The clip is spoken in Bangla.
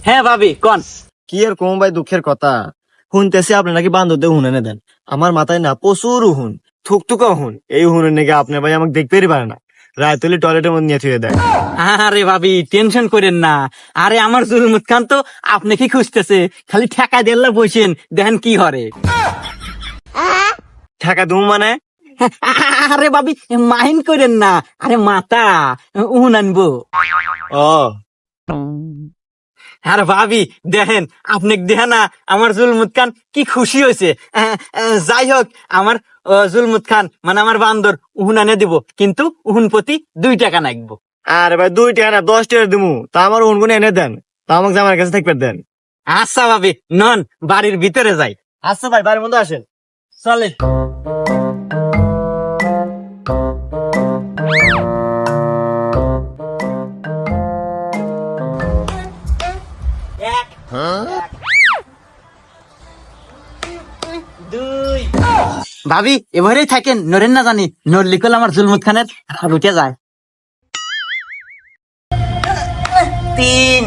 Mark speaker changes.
Speaker 1: হ্যাঁ ভাবি কোন।
Speaker 2: কি আর কম ভাই, দুঃখের কথা শুনতেছি আপনি নাকি বান্ধবদের হুন এনে দেন। আমার মাথায় না প্রচুর হুন, থুকথুকা হুন। এই হুনের নাকি আপনার ভাই আমাকে দেখতেই পারে না, রায় তুলি টয়লেটের মধ্যে নিয়ে থুয়ে দেয়।
Speaker 1: আরে ভাবি টেনশন করেন না। আরে আমার জুলমুত খান তো আপনি কি খুঁজতেছে, খালি ঠেকা দেল্লা বসেন দেখেন কি হরে।
Speaker 2: ঠেকা দুম মানে?
Speaker 1: আরে ভাবি মাইন্ড করেন না, আরে মাতা উহুন আনবো।
Speaker 2: ও
Speaker 1: আরে ভাবি দেখেন, আপনি দেখেন না আমার জুলমুত খান কি খুশি হয়েছে। যাই হোক, আমার জুলমুত খান মানে আমার বান্দর উহুন আনে দিব, কিন্তু উহুন প্রতি 2 টাকা নাকবো।
Speaker 2: আরে ভাই 2 টাকা না 10 টাকা দিমু, তা আমার হুন গুনে এনে দেন, তা আমাকে আমার কাছে থাকবে দেন।
Speaker 1: আচ্ছা ভাবি নন, বাড়ির ভিতরে যাই।
Speaker 2: আচ্ছা ভাই, বাড়ির মধ্যে আসেন।
Speaker 1: চলে। এক, দুই। ভাবি এবারেই থাকেন, নরেন না জানি, নরলি কল আমার জুলমুত খানের আর উঠে যায়। 3।